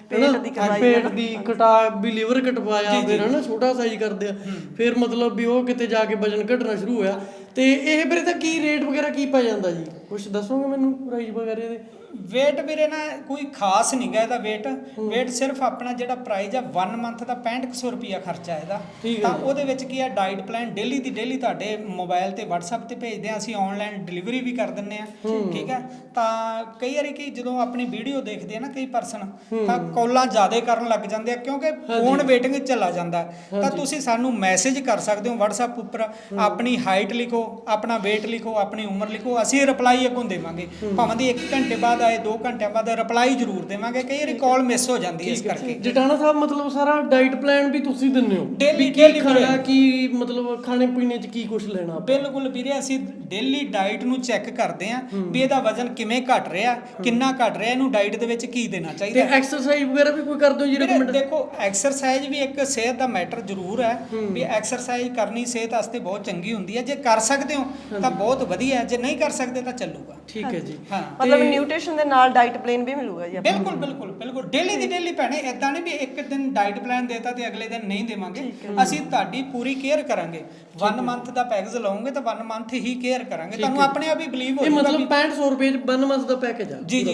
Speaker 1: ਪੇਟ ਦੀ ਕਟਾ ਵੀ ਲੀਵਰ ਕਟਵਾਇਆ, ਫਿਰ ਹਨਾ ਛੋਟਾ ਸਾਈਜ਼ ਕਰਦੇ ਆ, ਫਿਰ ਮਤਲਬ ਵੀ ਉਹ ਕਿਤੇ ਜਾ ਕੇ ਵਜਨ ਘਟਣਾ ਸ਼ੁਰੂ ਹੋਇਆ। ਤੇ ਇਹ ਵੀਰੇ ਤਾਂ ਕੀ ਰੇਟ ਵਗੈਰਾ ਕੀ ਪੈ ਜਾਂਦਾ ਜੀ, ਕੁਝ ਦੱਸੋਗੇ ਮੈਨੂੰ ਪ੍ਰਾਈਸ ਵਗੈਰਾ ਇਹਦੇ?
Speaker 2: ਵੇਟ ਵੀਰੇ ਨਾ ਕੋਈ ਖਾਸ ਨਹੀਂ ਗਾ ਇਹਦਾ ਵੇਟ ਸਿਰਫ ਆਪਣਾ ਜਿਹੜਾ ਪ੍ਰਾਈਸ ਆ 1 ਮੰਥ ਦਾ 6500 ਰੁਪਿਆ ਖਰਚਾ ਇਹਦਾ। ਤਾਂ ਉਹਦੇ ਵਿੱਚ ਕੀ ਆ, ਡਾਈਟ ਪਲਾਨ ਡੇਲੀ ਦੀ ਡੇਲੀ ਤੁਹਾਡੇ ਮੋਬਾਈਲ ਤੇ WhatsApp ਤੇ ਭੇਜਦੇ ਆ ਅਸੀਂ, ਆਨਲਾਈਨ ਡਿਲੀਵਰੀ ਵੀ ਕਰ ਦਿੰਨੇ ਆ, ਠੀਕ ਹੈ। ਤਾਂ ਕਈ ਵਾਰੀ ਕੀ ਜਦੋਂ ਆਪਣੀ ਵੀਡੀਓ ਦੇਖਦੇ ਆ ਨਾ ਕਈ ਪਰਸਨ, ਤਾਂ ਕਾਲਾਂ ਜ਼ਿਆਦਾ ਕਰਨ ਲੱਗ ਜਾਂਦੇ ਆ, ਕਿਉਂਕਿ ਫੋਨ ਵੇਟਿੰਗ ਚਲਾ ਜਾਂਦਾ। ਤਾਂ ਤੁਸੀਂ ਸਾਨੂੰ ਮੈਸੇਜ ਕਰ ਸਕਦੇ ਹੋ WhatsApp ਉੱਪਰ, ਆਪਣੀ ਹਾਈਟ ਲਿਖੋ, ਆਪਣਾ weight ਲਿਖੋ, ਆਪਣੀ ਉਮਰ ਲਿਖੋ, ਅਸੀਂ ਰਿਪਲਾਈ ਅੱਗੋਂ ਦੇਵਾਂਗੇ, ਭਾਵੇਂ ਦੀ 1 ਘੰਟੇ ਬਾਅਦ ਆਏ 2 ਘੰਟਿਆਂ ਬਾਅਦ ਰਿਪਲਾਈ ਜ਼ਰੂਰ ਦੇਵਾਂਗੇ, ਕਈ ਵਾਰੀ ਕਾਲ ਮਿਸ ਹੋ ਜਾਂਦੀ ਹੈ ਇਸ ਕਰਕੇ।
Speaker 1: ਜਟਾਣਾ ਸਾਹਿਬ ਮਤਲਬ ਸਾਰਾ ਡਾਈਟ ਪਲਾਨ ਵੀ ਤੁਸੀਂ ਦਿੰਦੇ ਹੋ,
Speaker 2: ਡੇਲੀ
Speaker 1: ਖਾਣਾ ਕੀ ਮਤਲਬ ਖਾਣੇ ਪੀਣੇ 'ਚ ਕੀ ਕੁਝ ਲੈਣਾ?
Speaker 2: ਬਿਲਕੁਲ ਵੀਰੇ, ਅਸੀਂ ਡੇਲੀ ਡਾਈਟ ਨੂੰ ਚੈੱਕ ਕਰਦੇ ਆਂ ਵੀ ਇਹਦਾ ਵਜ਼ਨ ਕਿਵੇਂ ਘਟ ਰਿਹਾ, ਕਿੰਨਾ ਘਟ ਰਿਹਾ, ਇਹਨੂੰ ਡਾਈਟ ਦੇ ਵਿੱਚ ਕੀ ਦੇਣਾ ਚਾਹੀਦਾ।
Speaker 1: ਤੇ ਐਕਸਰਸਾਈਜ਼ ਵਗੈਰਾ ਵੀ ਕੋਈ ਕਰਦੇ ਹੋ ਜੀ ਰეკਮੈਂਡ?
Speaker 2: ਦੇਖੋ ਐਕਸਰਸਾਈਜ਼ ਵੀ ਇੱਕ ਸਿਹਤ ਦਾ ਮੈਟਰ ਜ਼ਰੂਰ ਹੈ, ਵੀ ਐਕਸਰਸਾਈਜ਼ ਕਰਨੀ ਸਿਹਤ ਵਾਸਤੇ ਬਹੁਤ ਚੰਗੀ ਹੁੰਦੀ ਹੈ, ਜੇ ਕਰ ਸਕਦੇ ਹੋ ਤਾਂ ਬਹੁਤ ਵਧੀਆ, ਜੇ ਨਹੀਂ ਕਰ ਸਕਦੇ ਤਾਂ ਚੱਲੂਗਾ।
Speaker 1: ਠੀਕ ਹੈ ਜੀ,
Speaker 2: ਹਾਂ
Speaker 3: ਮਤਲਬ ਨਿਊਟ੍ਰੀਸ਼ਨ ਦੇ ਨਾਲ ਡਾਈਟ ਪਲਾਨ ਵੀ ਮਿਲੂਗਾ ਜੀ?
Speaker 2: ਬਿਲਕੁਲ ਡੇਲੀ ਦੀ ਡੇਲੀ ਭੈਣੇ, ਇਦਾਂ ਨਹੀਂ ਵੀ ਇੱਕ ਦਿਨ ਡਾਈਟ ਪਲਾਨ ਦੇਤਾ ਤੇ ਅਗਲੇ ਦਿਨ ਨਹੀਂ ਦੇਵਾਂਗੇ, ਅਸੀਂ ਤੁਹਾਡੀ ਪੂਰੀ ਕੇਅਰ ਕਰਾਂਗੇ। 1 ਮੰਥ ਦਾ ਪੈਕੇਜ ਲਓਗੇ ਤਾਂ 1 ਮੰਥ ਹੀ ਕੇਅਰ ਕਰਾਂਗੇ, ਤੁਹਾਨੂੰ ਆਪਣੇ ਆਪ ਹੀ ਬਲੀਵ ਹੋ
Speaker 1: ਜਾਊਗਾ। ਇਹ ਮਤਲਬ 6500 ਰੁਪਏ 'ਚ 1 ਮੰਥ ਦਾ ਪੈਕੇਜ ਆ?
Speaker 2: ਜੀ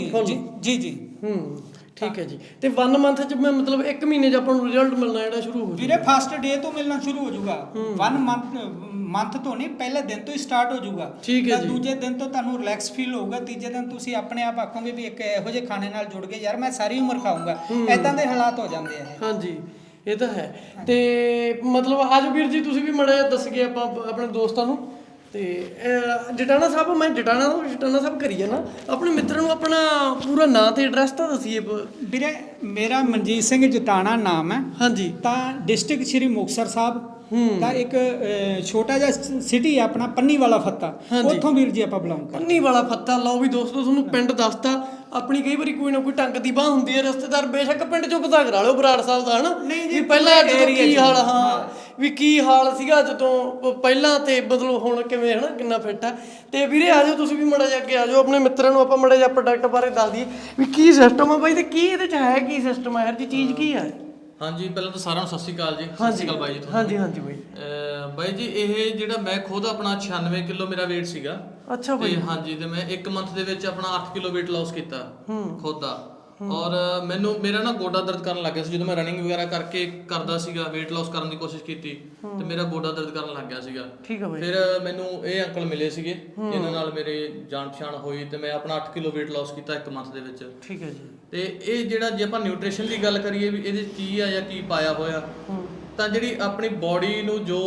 Speaker 1: ਠੀਕ ਹੈ ਜੀ। ਤੇ 1 ਮੰਥ 'ਚ ਮੈਂ ਮਤਲਬ 1 ਮਹੀਨੇ 'ਚ ਆਪਾਂ ਨੂੰ ਰਿਜ਼ਲਟ ਮਿਲਣਾ ਜਿਹੜਾ ਸ਼ੁਰੂ ਹੋ
Speaker 2: ਵੀਰੇ ਫਸਟ ਡੇ ਤੋਂ ਮਿਲਣਾ ਸ਼ੁਰੂ ਹੋ ਜਾਊਗਾ। 1 ਮੰਥ ਤੋਂ ਨਹੀਂ, ਪਹਿਲੇ ਦਿਨ ਤੋਂ ਹੀ ਸਟਾਰਟ ਹੋ ਜਾਊਗਾ।
Speaker 1: ਠੀਕ ਹੈ ਜੀ।
Speaker 2: ਦੂਜੇ ਦਿਨ ਤੋਂ ਤੁਹਾਨੂੰ ਰਿਲੈਕਸ ਫੀਲ ਹੋਊਗਾ, ਤੀਜੇ ਦਿਨ ਤੁਸੀਂ ਆਪਣੇ ਆਪ ਆਖੋਗੇ ਵੀ ਇੱਕ ਇਹੋ ਜਿਹੇ ਖਾਣੇ ਨਾਲ ਜੁੜ ਗਏ, ਯਾਰ ਮੈਂ ਸਾਰੀ ਉਮਰ ਖਾਊਂਗਾ, ਐਦਾਂ ਦੇ ਹਾਲਾਤ ਹੋ ਜਾਂਦੇ ਆ।
Speaker 1: ਹਾਂਜੀ ਇਹ ਤਾਂ ਹੈ। ਤੇ ਮਤਲਬ ਅੱਜ ਵੀਰ ਜੀ ਤੁਸੀਂ ਵੀ ਮਾੜਾ ਜਿਹਾ ਦੱਸ ਗਏ ਆਪਾਂ ਆਪਣੇ ਦੋਸਤਾਂ ਨੂੰ। ਤੇ ਜਟਾਣਾ ਸਾਹਿਬ, ਮੈਂ ਜਟਾਣਾ ਸਾਹਿਬ ਕਰੀ ਜਾਣਾ, ਆਪਣੇ ਮਿੱਤਰਾਂ ਨੂੰ ਆਪਣਾ ਪੂਰਾ ਨਾਂ ਤੇ ਐਡਰੈਸ ਤਾਂ ਦੱਸੀਏ।
Speaker 2: ਵੀਰੇ ਮੇਰਾ ਮਨਜੀਤ ਸਿੰਘ ਜਟਾਣਾ ਨਾਮ ਹੈ।
Speaker 1: ਹਾਂਜੀ।
Speaker 2: ਤਾਂ ਡਿਸਟ੍ਰਿਕਟ ਸ਼੍ਰੀ ਮੁਕਤਸਰ ਸਾਹਿਬ, ਤਾਂ ਇੱਕ ਛੋਟਾ ਜਿਹਾ ਸਿਟੀ ਆ ਆਪਣਾ ਪੰਨੀ ਵਾਲਾ ਫੱਤਾ, ਉੱਥੋਂ ਵੀਰ ਜੀ ਆਪਾਂ ਬਿਲੋਂਗ ਕਰਦੇ।
Speaker 1: ਪੰਨੀ ਵਾਲਾ ਫੱਤਾ, ਲਓ ਵੀ ਦੋਸਤੋ ਤੁਹਾਨੂੰ ਪਿੰਡ ਦੱਸਤਾ। ਆਪਣੀ ਕਈ ਵਾਰੀ ਕੋਈ ਨਾ ਕੋਈ ਟੰਗ ਦੀ ਬਾਹ ਹੁੰਦੀ ਹੈ, ਰਿਸ਼ਤੇਦਾਰ ਬੇਸ਼ੱਕ ਪਿੰਡ ਚੋਂ ਪਤਾ ਕਰਾ ਲਿਓ ਬਰਾੜ ਸਾਹਿਬ ਦਾ, ਹਨਾ ਵੀ ਪਹਿਲਾਂ ਕੀ ਹਾਲ, ਹਾਂ ਵੀ ਕੀ ਹਾਲ ਸੀਗਾ ਜਦੋਂ ਪਹਿਲਾਂ ਤੇ ਮਤਲਬ ਹੁਣ ਕਿਵੇਂ, ਹਨਾ ਕਿੰਨਾ ਫਿੱਟ ਆ। ਤੇ ਵੀਰੇ ਆ ਜਾਓ ਤੁਸੀਂ ਵੀ ਮਾੜਾ ਜਿਹਾ ਅੱਗੇ ਆ ਜਾਓ, ਆਪਣੇ ਮਿੱਤਰਾਂ ਨੂੰ ਆਪਾਂ ਮਾੜਾ ਜਿਹਾ ਪ੍ਰੋਡਕਟ ਬਾਰੇ ਦੱਸ ਦਈਏ ਵੀ ਕੀ ਸਿਸਟਮ ਆ ਬਾਈ, ਤੇ ਕੀ ਇਹਦੇ 'ਚ ਹੈ, ਕੀ ਸਿਸਟਮ ਹੈ, ਹਰ ਚੀਜ਼ ਕੀ ਹੈ?
Speaker 5: ਹਾਂਜੀ, ਪਹਿਲਾਂ ਤਾਂ ਸਾਰਿਆਂ ਨੂੰ ਸਤਿ ਸ਼੍ਰੀ ਅਕਾਲ ਜੀ। ਸਤਿ ਸ਼੍ਰੀ ਅਕਾਲ ਬਾਈ ਜੀ।
Speaker 1: ਹਾਂਜੀ ਹਾਂਜੀ ਬਾਈ।
Speaker 5: ਬਾਈ ਜੀ ਇਹ ਜਿਹੜਾ ਮੈਂ ਖੁਦ ਆਪਣਾ 96 ਕਿਲੋ ਮੇਰਾ weight ਸੀਗਾ।
Speaker 1: ਅੱਛਾ ਬਾਈ।
Speaker 5: ਤੇ ਹਾਂਜੀ, ਤੇ ਮੈਂ 1 ਮੰਥ ਦੇ ਵਿੱਚ ਆਪਣਾ 8 ਕਿਲੋ weight loss ਕੀਤਾ ਖੁਦ ਦਾ। ਔਰ ਮੈਨੂੰ ਮੇਰਾ ਨਾ ਗੋਡਾ ਦਰਦ ਕਰਨ ਲੱਗ ਗਿਆ ਸੀ ਜਦੋਂ ਮੈਂ ਰਨਿੰਗ ਵਗੈਰਾ ਕਰਕੇ ਕਰਦਾ ਸੀਗਾ, weight loss ਕਰਨ ਦੀ ਕੋਸ਼ਿਸ਼ ਕੀਤੀ ਤੇ ਮੇਰਾ ਗੋਡਾ ਦਰਦ ਕਰਨ ਲੱਗ ਗਿਆ ਸੀਗਾ।
Speaker 1: ਠੀਕ ਹੈ ਬਾਈ।
Speaker 5: ਫਿਰ ਮੈਨੂੰ ਇਹ ਅੰਕਲ ਮਿਲੇ ਸੀਗੇ, ਇਹਨਾਂ ਨਾਲ ਮੇਰੇ ਜਾਣ ਪਛਾਣ ਹੋਈ ਤੇ ਮੈਂ ਆਪਣਾ 8 ਕਿਲੋ weight loss ਕੀਤਾ 1 ਮੰਥ ਦੇ ਵਿੱਚ।
Speaker 1: ਠੀਕ ਹੈ ਜੀ।
Speaker 5: ਤੇ ਇਹ ਜਿਹੜਾ ਜੇ ਆਪਾਂ ਨਿਊਟ੍ਰੀਸ਼ਨ ਦੀ ਗੱਲ ਕਰੀਏ ਵੀ ਇਹਦੇ ਕੀ ਆ ਜਾਂ ਕੀ ਪਾਇਆ ਹੋਇਆ, ਤਾਂ ਜਿਹੜੀ ਆਪਣੀ ਬਾਡੀ ਨੂੰ ਜੋ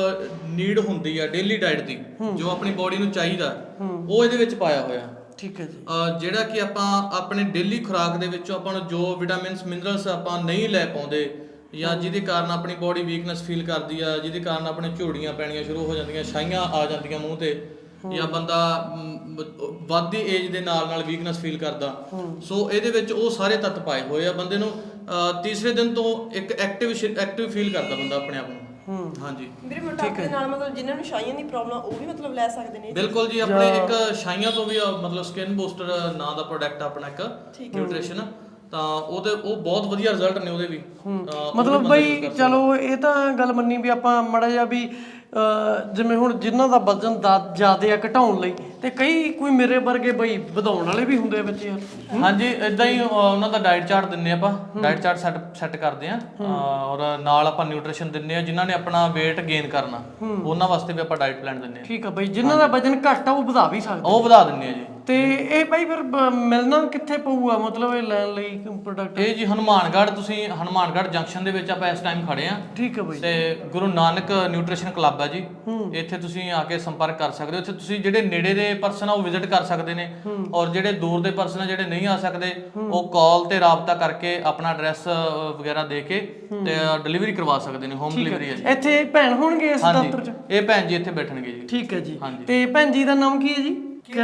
Speaker 5: ਨੀਡ ਹੁੰਦੀ ਆ ਡੇਲੀ ਡਾਈਟ ਦੀ, ਜੋ ਆਪਣੀ ਬਾਡੀ ਨੂੰ ਚਾਹੀਦਾ ਉਹ ਇਹਦੇ ਵਿੱਚ ਪਾਇਆ ਹੋਇਆ।
Speaker 1: ਠੀਕ ਹੈ ਜੀ।
Speaker 5: ਜਿਹੜਾ ਕਿ ਆਪਾਂ ਆਪਣੇ ਡੇਲੀ ਖੁਰਾਕ ਦੇ ਵਿੱਚੋਂ ਆਪਾਂ ਨੂੰ ਜੋ ਵਿਟਾਮਿਨਸ ਮਿਨਰਲਸ ਆਪਾਂ ਨਹੀਂ ਲੈ ਪਾਉਂਦੇ ਜਾਂ ਜਿਹਦੇ ਕਾਰਨ ਆਪਣੀ ਬਾਡੀ ਵੀਕਨੈਸ ਫੀਲ ਕਰਦੀ ਆ, ਜਿਹਦੇ ਕਾਰਨ ਆਪਣੇ ਝੋੜੀਆਂ ਪੈਣੀਆਂ ਸ਼ੁਰੂ ਹੋ ਜਾਂਦੀਆਂ, ਛਾਈਆਂ ਆ ਜਾਂਦੀਆਂ ਮੂੰਹ ਤੇ, ਜਾਂ ਬੰਦਾ ਵੱਧਦੀ ਏਜ ਦੇ ਨਾਲ ਵੀਕਨੈਸ ਫੀਲ ਕਰਦਾ, ਸੋ ਇਹਦੇ ਵਿੱਚ ਉਹ ਸਾਰੇ ਤੱਤ ਪਾਏ ਹੋਏ ਆ। ਬੰਦੇ ਨੂੰ ਤੀਸਰੇ ਦਿਨ ਤੋਂ ਇੱਕ ਐਕਟਿਵ ਫੀਲ ਕਰਦਾ ਬੰਦਾ ਆਪਣੇ ਆਪ ਨੂੰ। ਹਾਂਜੀ
Speaker 3: ਵੀਰੇ ਮੋਟਾਪੇ ਦੇ ਨਾਲ ਮਤਲਬ ਜਿਨ੍ਹਾਂ ਨੂੰ ਛਾਈਆਂ ਦੀ ਪ੍ਰੋਬਲਮ ਉਹ ਵੀ ਮਤਲਬ ਲੈ ਸਕਦੇ ਨੇ?
Speaker 5: ਬਿਲਕੁਲ ਜੀ। ਆਪਣੇ ਇੱਕ ਛਾਈਆਂ ਤੋਂ ਵੀ ਮਤਲਬ ਸਕਿਨ ਬੂਸਟਰ ਨਾਂ ਦਾ ਪ੍ਰੋਡਕਟ ਆਪਣਾ ਇੱਕ ਨਿਊਟ੍ਰੀਸ਼ਨ, ਤਾਂ ਉਹ ਬਹੁਤ ਵਧੀਆ ਰਿਜ਼ਲਟ ਨੇ ਉਹਦੇ ਵੀ।
Speaker 1: ਮਤਲਬ ਬਈ ਚਲੋ ਇਹ ਤਾਂ ਗੱਲ ਮੰਨੀ ਵੀ ਆਪਾਂ ਮਾੜਾ ਜਿਹਾ ਵੀ ਜਿਵੇਂ ਹੁਣ ਜਿਨ੍ਹਾਂ ਦਾ ਵਜ਼ਨ ਜ਼ਿਆਦਾ ਆ ਘਟਾਉਣ ਲਈ, ਤੇ ਕੋਈ ਮੇਰੇ ਵਰਗੇ ਬਈ ਵਧਾਉਣ ਵਾਲੇ ਵੀ ਹੁੰਦੇ ਆ ਬੱਚੇ ਯਾਰ।
Speaker 5: ਹਾਂਜੀ, ਇਦਾਂ ਹੀ ਉਹਨਾਂ ਦਾ ਡਾਈਟ ਚਾਰਟ ਦਿੰਨੇ ਆਪਾਂ, ਡਾਈਟ ਚਾਰਟ ਸੈੱਟ ਕਰਦੇ ਆ, ਔਰ ਨਾਲ ਆਪਾਂ ਨਿਊਟ੍ਰੀਸ਼ਨ ਦਿੰਨੇ ਆ। ਜਿਨ੍ਹਾਂ ਨੇ ਆਪਣਾ weight ਗੇਨ ਕਰਨਾ ਉਹਨਾਂ ਵਾਸਤੇ ਵੀ ਆਪਾਂ ਡਾਈਟ ਪਲਾਨ ਦਿੰਨੇ ਆ।
Speaker 1: ਠੀਕ ਆ ਬਈ। ਜਿਨ੍ਹਾਂ ਦਾ ਵਜ਼ਨ ਘੱਟ ਆ ਉਹ ਵਧਾ ਵੀ ਸਕਦੇ,
Speaker 5: ਉਹ ਵਧਾ ਦਿੰਨੇ ਆ ਜੀ।
Speaker 1: ਤੇ ਇਹ ਬਾਈ ਫਿਰ ਮਿਲਣਾ ਕਿੱਥੇ ਪਊਗਾ ਮਤਲਬ ਇਹ ਲੈਣ ਲਈ ਪ੍ਰੋਡਕਟ?
Speaker 5: ਇਹ ਜੀ ਹਨੂਮਾਨਗੜ੍ਹ, ਤੁਸੀਂ ਹਨੂਮਾਨਗੜ੍ਹ ਜੰਕਸ਼ਨ ਦੇ ਵਿੱਚ ਆਪਾਂ ਇਸ ਟਾਈਮ ਖੜੇ ਆ।
Speaker 1: ਠੀਕ ਹੈ ਬਈ।
Speaker 5: ਤੇ ਗੁਰੂ ਨਾਨਕ ਨਿਊਟ੍ਰੀਸ਼ਨ ਕਲੱਬ ਹੈ ਜੀ, ਇੱਥੇ ਤੁਸੀਂ ਆ ਕੇ ਸੰਪਰਕ ਕਰ ਸਕਦੇ ਹੋ। ਇੱਥੇ ਤੁਸੀਂ ਜਿਹੜੇ ਨੇੜੇ ਦੇ ਪਰਸਨ ਆ ਉਹ ਵਿਜ਼ਿਟ ਕਰ ਸਕਦੇ ਨੇ, ਔਰ ਜਿਹੜੇ ਦੂਰ ਦੇ ਪਰਸਨ ਆ ਜਿਹੜੇ ਨਹੀਂ ਆ ਸਕਦੇ ਉਹ ਕਾਲ ਤੇ ਰਾਬਤਾ ਕਰਕੇ ਆਪਣਾ ਐਡਰੈਸ ਵਗੈਰਾ ਦੇ ਕੇ ਤੇ ਡਿਲੀਵਰੀ ਕਰਵਾ ਸਕਦੇ ਨੇ। ਹੋਮ ਡਿਲੀਵਰੀ ਹੈ ਜੀ।
Speaker 1: ਇੱਥੇ ਭੈਣ ਹੋਣਗੇ ਇਸ ਦਫ਼ਤਰ 'ਚ?
Speaker 5: ਇਹ ਭੈਣ ਜੀ ਇੱਥੇ ਬੈਠਣਗੇ ਜੀ।
Speaker 1: ਠੀਕ ਹੈ ਜੀ। ਤੇ ਭੈਣ ਜੀ ਦਾ ਨਾਮ ਕੀ ਹੈ ਜੀ?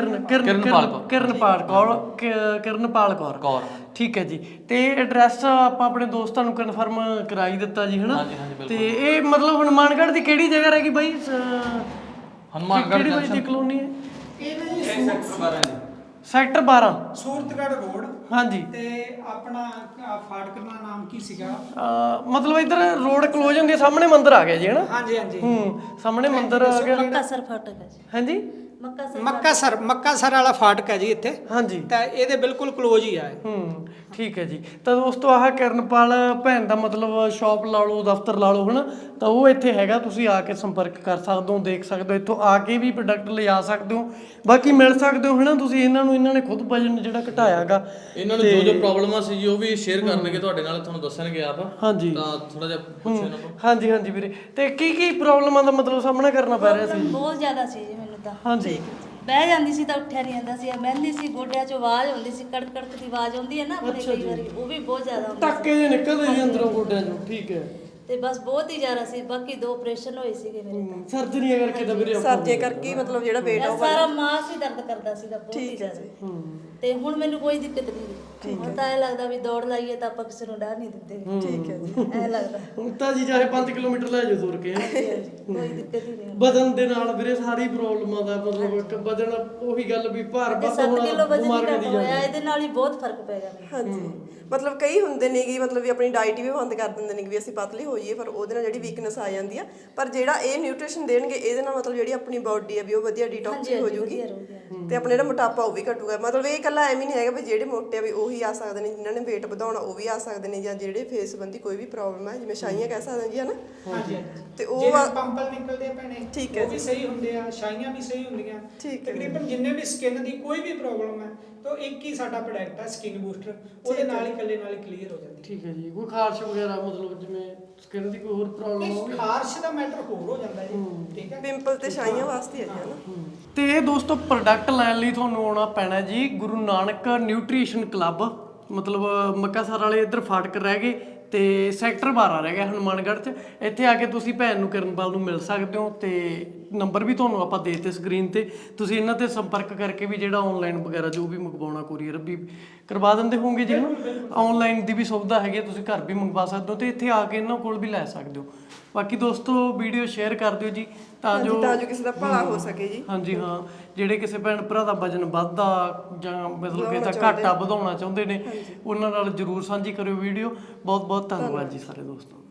Speaker 1: ਕਿਰਨਪਾਲ ਕੌਰ। ਠੀਕ ਹੈ ਜੀ। ਤੇ ਐਡਰੈਸ ਆਪਾਂ ਆਪਣੇ ਦੋਸਤਾਂ ਨੂੰ ਕਨਫਰਮ ਕਰਾਈ ਦਿੱਤਾ ਜੀ, ਹਨਾ? ਤੇ ਇਹ ਮਤਲਬ ਹਨੂਮਾਨਗੜ੍ਹ ਦੀ ਕਿਹੜੀ ਜਗ੍ਹਾ ਰਹਿ ਗਈ ਬਾਈ?
Speaker 5: ਹਨੂਮਾਨਗੜ੍ਹ
Speaker 1: ਕਿਹੜੀ ਬਾਈ ਦੀ ਕਲੋਨੀ ਹੈ?
Speaker 2: ਇਹ ਨਾ ਜੀ
Speaker 1: ਸੈਕਟਰ 12
Speaker 2: ਸੂਰਤਗੜ੍ਹ ਰੋਡ।
Speaker 1: ਹਾਂਜੀ।
Speaker 2: ਤੇ ਆਪਣਾ ਫਾਟਕ ਦਾ ਨਾਮ ਕੀ ਸੀਗਾ?
Speaker 1: ਮਤਲਬ ਇਧਰ ਰੋਡ ਕਲੋਜ਼ ਹੁੰਦੀ, ਸਾਹਮਣੇ ਮੰਦਿਰ ਆ ਗਿਆ ਜੀ, ਹਨਾ?
Speaker 2: ਹਾਂਜੀ ਹਾਂਜੀ।
Speaker 1: ਸਾਹਮਣੇ ਮੰਦਿਰ ਆ ਗਿਆ।
Speaker 4: ਮੱਕਾਸਰ ਫਾਟਕ ਹੈ ਜੀ।
Speaker 1: ਹਾਂਜੀ।
Speaker 2: ਮੱਕਾਸਰ ਵਾਲਾ ਫਾਟਕ ਹੈ ਜੀ ਇੱਥੇ।
Speaker 1: ਹਾਂਜੀ।
Speaker 2: ਤਾਂ ਇਹਦੇ ਬਿਲਕੁਲ ਕਲੋਜ਼ ਹੀ ਆ।
Speaker 1: ਠੀਕ ਹੈ ਜੀ। ਤਾਂ ਦੋਸਤੋ ਆਹ ਕਿਰਨਪਾਲ ਭੈਣ ਦਾ ਮਤਲਬ ਸ਼ਾਪ ਲਾ ਲਓ, ਦਫ਼ਤਰ ਲਾ ਲਓ, ਹਨਾ? ਤਾਂ ਉਹ ਇੱਥੇ ਹੈਗਾ, ਤੁਸੀਂ ਆ ਕੇ ਸੰਪਰਕ ਕਰ ਸਕਦੇ ਹੋ, ਦੇਖ ਸਕਦੇ ਹੋ, ਇੱਥੋਂ ਆ ਕੇ ਵੀ ਪ੍ਰੋਡਕਟ ਲਿਜਾ ਸਕਦੇ ਹੋ, ਬਾਕੀ ਮਿਲ ਸਕਦੇ ਹੋ, ਹਨਾ? ਤੁਸੀਂ ਇਹਨਾਂ ਨੇ ਖੁਦ ਵਜਨ ਜਿਹੜਾ ਘਟਾਇਆਗਾ,
Speaker 5: ਇਹਨਾਂ ਨੂੰ ਜੋ ਪ੍ਰੋਬਲਮਾਂ ਸੀ ਜੀ ਉਹ ਵੀ ਸ਼ੇਅਰ ਕਰਨਗੇ ਤੁਹਾਡੇ ਨਾਲ, ਤੁਹਾਨੂੰ ਦੱਸਣਗੇ ਆਪ।
Speaker 1: ਹਾਂਜੀ।
Speaker 5: ਤਾਂ ਥੋੜਾ ਜਿਹਾ ਪੁੱਛੋ ਇਹਨਾਂ ਤੋਂ।
Speaker 1: ਹਾਂਜੀ ਹਾਂਜੀ ਵੀਰੇ। ਤੇ ਕੀ ਪ੍ਰੋਬਲਮਾਂ ਦਾ ਮਤਲਬ ਸਾਹਮਣਾ ਕਰਨਾ ਪੈ ਰਿਹਾ ਸੀ?
Speaker 4: ਬਹੁਤ ਜ਼ਿਆਦਾ ਸੀ ਜੀ ਮੈਨੂੰ ਤਾਂ।
Speaker 1: ਹਾਂਜੀ।
Speaker 4: ਬਹਿ ਜਾਂਦੀ ਸੀ ਤਾਂ ਉੱਠਿਆ ਨਹੀਂ ਜਾਂਦਾ ਸੀ, ਬਹਿੰਦੀ ਸੀ ਗੋਡਿਆਂ 'ਚੋਂ ਆਵਾਜ਼ ਆਉਂਦੀ ਸੀ, ਕੜਕ ਕੜਕ ਦੀ ਆਵਾਜ਼ ਆਉਂਦੀ ਹੈ ਨਾ ਆਪਣੇ ਕਈ ਵਾਰੀ, ਉਹ ਵੀ ਬਹੁਤ ਜ਼ਿਆਦਾ ਆਉਂਦੀ
Speaker 1: ਟੱਕੇ ਜਿਹੇ ਨਿਕਲਦੇ ਸੀ ਅੰਦਰੋਂ ਗੋਡਿਆਂ ਚੋਂ। ਠੀਕ ਹੈ।
Speaker 4: ਤੇ ਬਸ ਬਹੁਤ ਹੀ ਜ਼ਿਆਦਾ ਸੀ। ਬਾਕੀ 2 ਆਪਰੇਸ਼ਨ ਹੋਏ ਸੀਗੇ ਮੇਰੇ ਤਾਂ।
Speaker 1: ਸਰਜਰੀਆਂ ਕਰਕੇ ਤਾਂ ਵੀਰੇ
Speaker 3: ਸਰਜੇ ਕਰਕੇ ਮਤਲਬ ਜਿਹੜਾ weight
Speaker 4: ਬਸ ਸਾਰਾ ਮਾਸ ਹੀ ਦਰਦ ਕਰਦਾ ਸੀਗਾ ਬਹੁਤ ਹੀ ਜ਼ਿਆਦਾ। ਤੇ ਹੁਣ ਮੈਨੂੰ ਕੋਈ ਦਿੱਕਤ ਨਹੀਂ। ਹੁਣ ਤਾਂ ਇਹ ਲੱਗਦਾ ਵੀ ਦੌੜ ਲਾਈਏ ਤਾਂ ਆਪਾਂ ਕਿਸੇ ਨੂੰ ਡਰ ਨਹੀਂ ਦਿੰਦੇ।
Speaker 3: ਠੀਕ ਹੈ ਜੀ।
Speaker 4: ਐ ਲੱਗਦਾ
Speaker 1: ਹੁਣ ਤਾਂ ਜੀ ਚਾਹੇ 5 ਕਿਲੋਮੀਟਰ ਲੈ ਜਾਓ ਤੁਰ ਕੇ।
Speaker 4: ਕੋਈ ਦਿੱਕਤ ਹੀ ਨਹੀਂ।
Speaker 1: ਵਜ਼ਨ ਦੇ ਨਾਲ ਵੀਰੇ ਸਾਰੀ ਪ੍ਰੋਬਲਮਾਂ ਦਾ ਮਤਲਬ ਇੱਕ ਵਜ਼ਨ, ਉਹੀ ਗੱਲ ਵੀ ਭਾਰ ਵੱਧ
Speaker 4: 7
Speaker 1: ਹੋਣਾ,
Speaker 4: ਕਿਲੋ ਵਜ਼ਨ
Speaker 1: ਬਿਮਾਰੀਆਂ
Speaker 4: ਘੱਟ
Speaker 1: ਦੀ
Speaker 4: ਹੋਇਆ, ਇਹਦੇ ਨਾਲ ਹੀ ਬਹੁਤ ਫਰਕ ਪੈ ਗਿਆ ਮੈਨੂੰ।
Speaker 3: ਹਾਂਜੀ। ਮਤਲਬ ਕਈ ਹੁੰਦੇ ਨੇ ਕਿ ਮਤਲਬ ਵੀ ਆਪਣੀ ਡਾਈਟ ਵੀ ਬੰਦ ਕਰ ਦਿੰਦੇ ਨੇ ਕਿ ਵੀ ਅਸੀਂ ਪਤਲੇ ਹੋ ਜਾਈਏ, ਪਰ ਉਹਦੇ ਨਾਲ ਜਿਹੜੀ ਵੀਕਨੈਸ ਆ ਜਾਂਦੀ ਆ। ਪਰ ਜਿਹੜਾ ਇਹ ਨਿਊਟ੍ਰੀਸ਼ਨ ਦੇਣਗੇ ਇਹਦੇ ਨਾਲ ਮਤਲਬ ਜਿਹੜੀ ਆਪਣੀ ਬਾਡੀ ਆ ਵੀ ਉਹ ਵਧੀਆ ਡੀਟੌਕਸ ਹੋ ਜਾਊਗੀ, ਤੇ ਆਪਣਾ ਜਿਹੜਾ ਮੋਟਾਪਾ ਉਹ ਵੀ ਘਟੂਗਾ। ਮਤਲਬ ਇਹ ਇਕੱਲਾ ਐਵੇਂ ਨਹੀਂ ਹੈਗਾ ਵੀ ਜਿਹੜੇ ਮੋਟੇ ਆ ਵੀ ਉਹੀ ਆ ਸਕਦੇ ਨੇ, ਜਿਨ੍ਹਾਂ ਨੇ weight ਵਧਾਉਣਾ ਉਹ ਵੀ ਆ ਸਕਦੇ ਨੇ, ਜਾਂ ਜਿਹੜੇ ਫੇਸ ਸੰਬੰਧੀ ਕੋਈ ਵੀ ਪ੍ਰੋਬਲਮ ਹੈ, ਜਿਵੇਂ ਛਾਈਆਂ ਕਹਿ ਸਕਦੇ ਜੀ, ਹਨਾ?
Speaker 2: ਹਾਂਜੀ।
Speaker 3: ਤੇ ਉਹ
Speaker 2: ਜਿਹੜੇ ਪੰਪਲ ਨਿਕਲਦੇ ਆ ਭੈਣੇ,
Speaker 3: ਠੀਕ ਹੈ
Speaker 2: ਉਹ ਵੀ ਸਹੀ ਹੁੰਦੇ ਆ, ਛਾਈਆਂ ਵੀ ਸਹੀ ਹੁੰਦੀਆਂ।
Speaker 3: ਠੀਕ ਹੈ।
Speaker 2: ਤਕਰੀਬਨ ਜਿੰਨੇ ਵੀ ਸਕਿਨ ਦੀ ਕੋਈ ਵੀ ਪ੍ਰੋਬਲਮ ਹੈ ਤਾਂ ਇੱਕ ਹੀ ਸਾਡਾ ਪ੍ਰੋਡਕਟ ਹੈ ਸਕਿਨ ਬੂਸਟਰ, ਉਹਦੇ ਨਾਲ ਹੀ ਇਕੱਲੇ ਨਾਲ ਹੀ ਕਲੀਅਰ ਹੋ ਜਾਂਦੀ।
Speaker 1: ਠੀਕ ਹੈ ਜੀ। ਕੋਈ ਖਾਰਸ਼ ਵਗੈਰਾ ਮਤਲਬ ਜਿਵੇਂ ਸਕਿਨ ਦੀ ਕੋਈ ਹੋਰ ਪ੍ਰੋਬਲਮ ਹੋਵੇ?
Speaker 2: ਖਾਰਸ਼ ਦਾ ਮੈਟਰ ਹੋਰ ਹੋ ਜਾਂਦਾ ਜੀ। ਠੀਕ ਹੈ।
Speaker 3: ਪਿੰਪਲ ਤੇ ਛਾਈਆਂ ਵਾਸਤੇ ਹੈ ਜੀ, ਹਨਾ?
Speaker 1: ਤੇ ਇਹ ਦੋਸਤੋ ਪ੍ਰੋਡਕਟ ਲੈਣ ਲਈ ਤੁਹਾਨੂੰ ਆਉਣਾ ਪੈਣਾ ਜੀ ਗੁਰੂ ਨਾਨਕ ਨਿਊਟ੍ਰੀਸ਼ਨ ਕਲੱਬ, ਮਤਲਬ ਮੱਕਾਸਰ ਵਾਲੇ ਇੱਧਰ ਫਾਟਕ ਰਹਿ ਗਏ ਤੇ ਸੈਕਟਰ 12 ਰਹਿ ਗਿਆ ਹਨੂਮਾਨਗੜ੍ਹ 'ਚ। ਇੱਥੇ ਆ ਕੇ ਤੁਸੀਂ ਭੈਣ ਨੂੰ ਕਿਰਨਪਾਲ ਨੂੰ ਮਿਲ ਸਕਦੇ ਹੋ, ਤੇ ਨੰਬਰ ਵੀ ਤੁਹਾਨੂੰ ਆਪਾਂ ਦੇ ਦਿੱਤੇ ਸਕਰੀਨ ਤੇ। ਤੁਸੀਂ ਇਹਨਾਂ ਤੇ ਸੰਪਰਕ ਕਰਕੇ ਵੀ ਜਿਹੜਾ ਆਨਲਾਈਨ ਵਗੈਰਾ ਜੋ ਵੀ ਮੰਗਵਾਉਣਾ ਕੋਰੀਅਰ ਵੀ ਕਰਵਾ ਦਿੰਦੇ ਹੋਵੋਗੇ ਜੀ, ਹਨਾ? ਆਨਲਾਈਨ ਦੀ ਵੀ ਸੁਵਿਧਾ ਹੈਗੀ, ਤੁਸੀਂ ਘਰ ਵੀ ਮੰਗਵਾ ਸਕਦੇ ਹੋ ਤੇ ਇੱਥੇ ਆ ਕੇ ਇਹਨਾਂ ਕੋਲ ਵੀ ਲੈ ਸਕਦੇ ਹੋ। ਬਾਕੀ ਦੋਸਤੋ ਵੀਡੀਓ ਸ਼ੇਅਰ ਕਰ ਦਿਓ ਜੀ ਤਾਂ ਜੋ
Speaker 3: ਕਿਸੇ ਦਾ ਭਲਾ ਹੋ ਸਕੇ ਜੀ।
Speaker 1: ਹਾਂਜੀ ਹਾਂ, ਜਿਹੜੇ ਕਿਸੇ ਭੈਣ ਭਰਾ ਦਾ ਵਜਨ ਵੱਧਦਾ ਜਾਂ ਮਤਲਬ ਕਿ ਤਾਂ ਘਾਟਾ ਵਧਾਉਣਾ ਚਾਹੁੰਦੇ ਨੇ ਉਹਨਾਂ ਨਾਲ ਜਰੂਰ ਸਾਂਝੀ ਕਰਿਓ ਵੀਡੀਓ। ਬਹੁਤ ਬਹੁਤ ਧੰਨਵਾਦ ਜੀ ਸਾਰੇ ਦੋਸਤੋ।